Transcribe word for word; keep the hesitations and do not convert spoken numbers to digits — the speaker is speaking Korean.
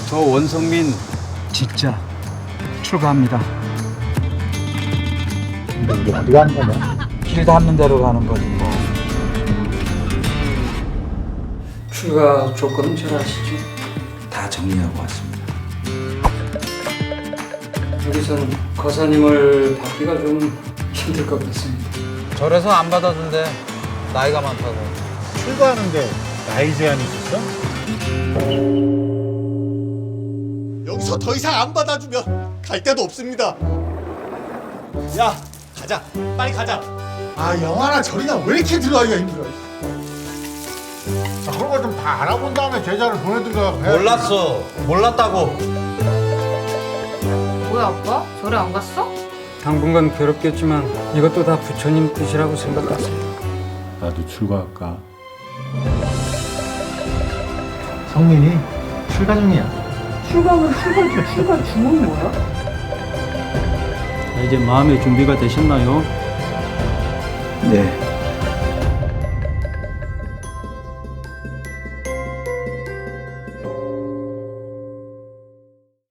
저 원성민 진짜 출가합니다. 근데 우리 어디 가는 거냐? 길 닿는 대로 가는 거지 뭐. 출가 조건은 잘 아시죠? 다 정리하고 왔습니다. 여기서는 거사님을 받기가 좀 힘들 것 같습니다. 절에서 안 받아준대. 나이가 많다고. 출가하는데 나이 제한이 있었어? 여기서 더 이상 안 받아주면 갈 데도 없습니다. 야, 가자. 빨리 가자. 아 영화나 절이나 왜 이렇게 들어가기가 힘들어? 아, 그런 걸 좀 다 알아본 다음에 제자를 보내든가 해야지. 몰랐어. 몰랐다고. 뭐야 아빠? 절에 안 갔어? 당분간 괴롭겠지만 이것도 다 부처님 뜻이라고 생각하세요. 나도 출가할까? 성민이 출가 중이야. 이제 마음의 준비가 되셨나요? 네.